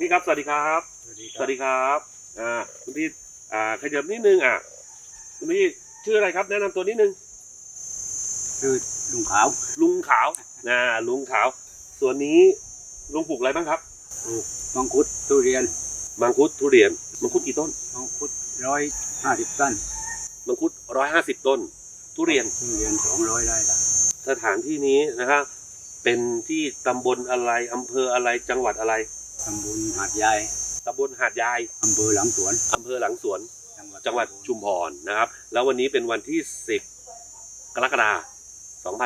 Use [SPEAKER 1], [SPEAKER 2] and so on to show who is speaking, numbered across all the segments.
[SPEAKER 1] พี่ครับสวัสดีครับสวัสดีครับคุณพี่ขยับนิดนึงคุณพี่ชื่ออะไรครับแนะนำตัวนิดนึง
[SPEAKER 2] คือลุงขาว
[SPEAKER 1] ลุงขาวลุงขาวส่วนนี้ลุงปลูกอะไรบ้างครับ
[SPEAKER 2] ปลูกมังคุดทุเรียน
[SPEAKER 1] มังคุดทุเรียนมังคุดกี่ต้น
[SPEAKER 2] มังคุด150 ต้น
[SPEAKER 1] มังคุด150 ต้นทุเรียน
[SPEAKER 2] 200 ได้ละ
[SPEAKER 1] สถานที่นี้นะครับเป็นที่ตำบลอะไรอำเภออะไรจังหวัดอะไร
[SPEAKER 2] ตำบลหาดใหญ่
[SPEAKER 1] ตำบลหาดใหญ่
[SPEAKER 2] อำเภอหลังสวน
[SPEAKER 1] จังหวัดชุมพรนะครับแล้ววันนี้เป็นวันที่10 กรกฎาคม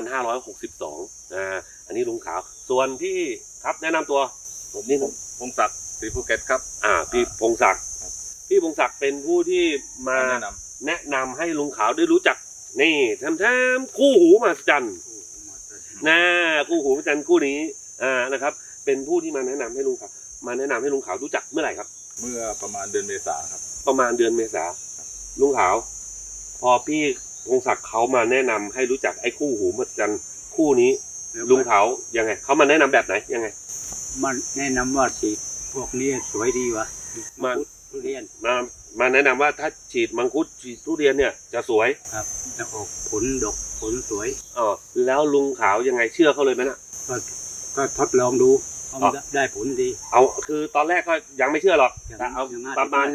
[SPEAKER 1] 2562อันนี้ลุงขาวส่วนที่ครับแนะนำตัวผมนี่
[SPEAKER 3] พงศักดิ์ศรีภูเก็ตครับ
[SPEAKER 1] พี่พงศักดิ์เป็นผู้ที่มาแนะนำให้ลุงขาวได้รู้จักนี่แท้ๆคู่หูมหัศจรรย์คู่หูมหัศจรรย์คู่นี้นะครับเป็นผู้ที่มาแนะนำให้ลุงขาวรู้จักเมื่อไหร่ครับ
[SPEAKER 3] เมื่อประมาณเดือนเมษาครับ
[SPEAKER 1] ประมาณเดือนเมษาลุงขาวพอพี่พงศักดิ์เขามาแนะนำให้รู้จักไอ้คู่หูมหัศจรรย์คู่นี้ลุงขาวยังไงเขามาแนะนำแบบไหนยังไง
[SPEAKER 2] มันแนะนำว่าสีพวกนี้สวยดีวะ
[SPEAKER 1] มา
[SPEAKER 2] ทุเรียน
[SPEAKER 1] มาแนะนำว่าถ้าฉีดมังคุดฉีดทุเรียนเนี่ยจะสวย
[SPEAKER 2] ครับแล้วออกผลดกผลสวย
[SPEAKER 1] แล้วลุงขาวยังไงเชื่อเขาเลยไหมน่ะ
[SPEAKER 2] ก็ทดลองดูได้ผลดี
[SPEAKER 1] คือตอนแรกก็ยังไม่เชื่อหรอกเอาประมาณ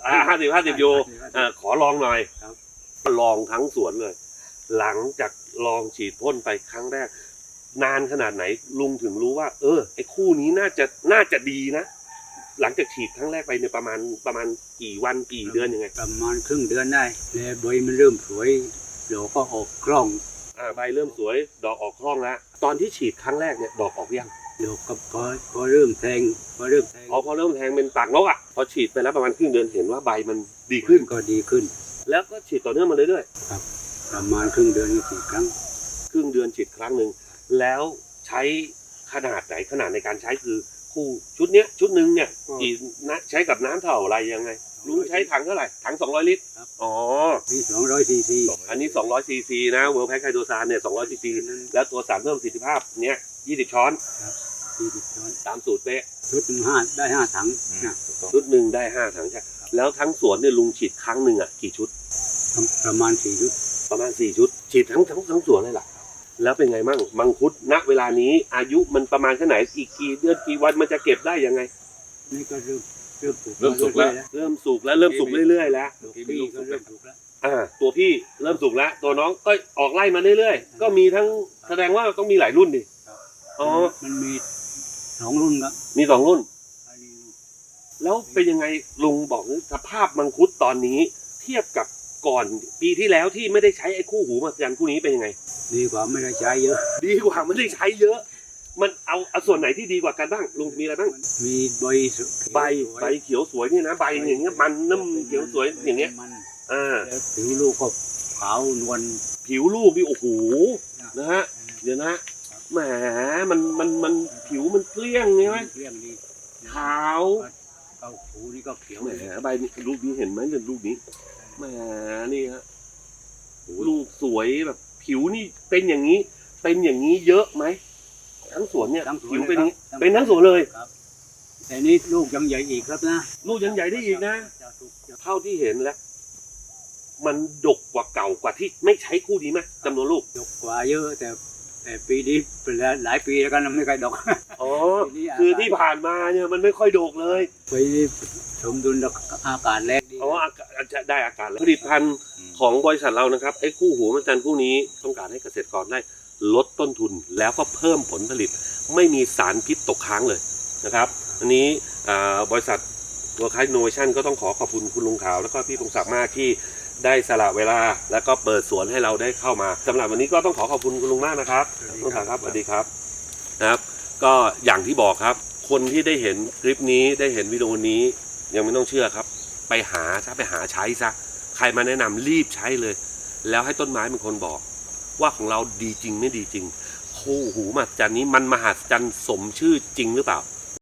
[SPEAKER 1] 50อยู่ขอลองหน่อยลองทั้งสวนเลยหลังจากลองฉีดพ่นไปครั้งแรกนานขนาดไหนลุงถึงรู้ว่าไอ้คู่นี้น่าจะดีนะหลังจากฉีดครั้งแรกไปเนี่ยประมาณกี่วันกี่เดือนยังไง
[SPEAKER 2] ประมาณครึ่งเดือนได้แล้วใบมันเริ่มสวยดอกก็ออกคล่อง
[SPEAKER 1] ใบเริ่มสวยดอกออกคล่องแล้วตอนที่ฉีดครั้งแรกเนี่ยดอกออกยัง
[SPEAKER 2] ดอกก็พอเริ่มแทงพอเริ่มแท
[SPEAKER 1] งเป็นปากนกพอฉีดไปแล้วประมาณครึ่งเดือนเห็นว่าใบมันดีขึ้น
[SPEAKER 2] ก็ดีขึ้น
[SPEAKER 1] แล้วก็ฉีดต่อเนื่องมาเรื่อย
[SPEAKER 2] ๆครับประมาณครึ่งเดือนฉีดครั้ง
[SPEAKER 1] ครั้งหนึ่งแล้วใช้ขนาดในการใช้คือคู่ชุดเนี้ยชุดหนึ่งเนี่ยกี่ใช้กับน้ำเท่าไรยังไงลุงใช้ถังเท่าไหร่ถัง200 ลิตร
[SPEAKER 2] นี่200 ซีซี
[SPEAKER 1] อันนี้200 ซีซีนะเวิร์ลแพคไคโดซานเนี่ย200 ซีซีแล้วตัวสารเพิ่มประสิทธิภาพเนี้ย20 ช้อน
[SPEAKER 2] 20 ช้อน
[SPEAKER 1] ตามสูตรเป๊ะ
[SPEAKER 2] ชุดหนึ่งได้5 ถัง
[SPEAKER 1] ชุดหนึ่งได้5 ถังใช่แล้วทั้งสวนเนี่ยลุงฉีดครั้งหนึ่งกี่ชุด
[SPEAKER 2] ประมาณ4 ชุด
[SPEAKER 1] ฉีดทั้งสวนเลยล่ะแล้วเป็นไงมั่งมังคุดณเวลานี้อายุมันประมาณแค่ไหนอีกกี่เดือนกี่วันมันจะเก็บได้ยังไง
[SPEAKER 2] นี่ก็เ
[SPEAKER 1] ริ่มสุกแล้วเริ่มสุกเรื่อยๆแล้ว
[SPEAKER 2] พี่ก็เริ่มสุกแล้ว
[SPEAKER 1] ตัวพี่เริ่มสุกแล้วตัวน้องก็ออกไล่มาเรื่อยๆก็มีทั้งแสดงว่าต้องมีหลายรุ่นดิ
[SPEAKER 2] มันมี2 รุ่นครับ
[SPEAKER 1] มี2 รุ่นแล้วเป็นยังไงลุงบอกสภาพมังคุดตอนนี้เทียบกับก่อนปีที่แล้วที่ไม่ได้ใช้ไอ้คู่หูมหัศจรรย์คู่นี้เป็นยังไง
[SPEAKER 2] ดีกว่าไม่ได้ใช้เยอะ
[SPEAKER 1] มันเอาส่วนไหนที่ดีกว่ากันบ้างลุงมีอะไรบ้าง
[SPEAKER 2] มีใ
[SPEAKER 1] บเขียวสวยนี่นะใบอย่างเงี้ยมันน้ำเขียวสวยอย่างเงี้ย
[SPEAKER 2] ผิวลูกก็ขาวนวล
[SPEAKER 1] ผิวลูกนี่โอ้โหนะฮะเดี๋ยวนะแหมมันผิวมันเกลี้ยงใช่ไหม
[SPEAKER 2] เกลี้ยงดี
[SPEAKER 1] ขาว
[SPEAKER 2] หูนี่ก็เขียว
[SPEAKER 1] แหมใบลูกนี้เห็นไหมเนี่ยลูกนี้แหมนี่ฮะลูกสวยแบบผิวนี่เป็นอย่างนี้เยอะไหมทั้งสวนเนี่ยผิวเป็นอย่างนี้เป็นทั้งสวนเลย
[SPEAKER 2] แต่นี่ลูกยังใหญ่อีกครับนะ
[SPEAKER 1] ลูกยังใหญ่ได้อีกนะเท่าที่เห็นแล้วมันดกกว่าเก่ากว่าที่ไม่ใช้คู่นี้ไหมจำนวนลูก
[SPEAKER 2] ดกกว่าเยอะแต่ปีนี้เป็นหลายปีแล้วกันไม่ค่อยดก
[SPEAKER 1] คือที่ผ่านมาเนี่ยมันไม่ค่อยดกเลย
[SPEAKER 2] ปีนี้สมดุลอากาศแรงดี
[SPEAKER 1] ได้อากาศผลิตภัณฑ์ของบริษัทเรานะครับไอ้คู่หูมหัศจรรย์คู่นี้ต้องการให้เกษตรกรได้ลดต้นทุนแล้วก็เพิ่มผลผลิตไม่มีสารพิษตกค้างเลยนะครับอันนี้บริษัทWorld Class Innovationก็ต้องขอบคุณคุณลุงขาวแล้วก็พี่พงศักดิ์มากที่ได้สละเวลาแล้วก็เปิดสวนให้เราได้เข้ามาสำหรับวันนี้ก็ต้องขอบคุณคุณลุงมากนะครับลุงขาวครับสวัสดีครับนะครับก็อย่างที่บอกครับคนที่ได้เห็นคลิปนี้ได้เห็นวิดีโอนี้ยังไม่ต้องเชื่อครับไปหาใช้ซะใครมาแนะนำรีบใช้เลยแล้วให้ต้นไม้เป็นคนบอกว่าของเราดีจริงไม่ดีจริงคู่หูมหัศจรรย์นี้มันมหัศจรรย์สมชื่อจริงหรือเปล่า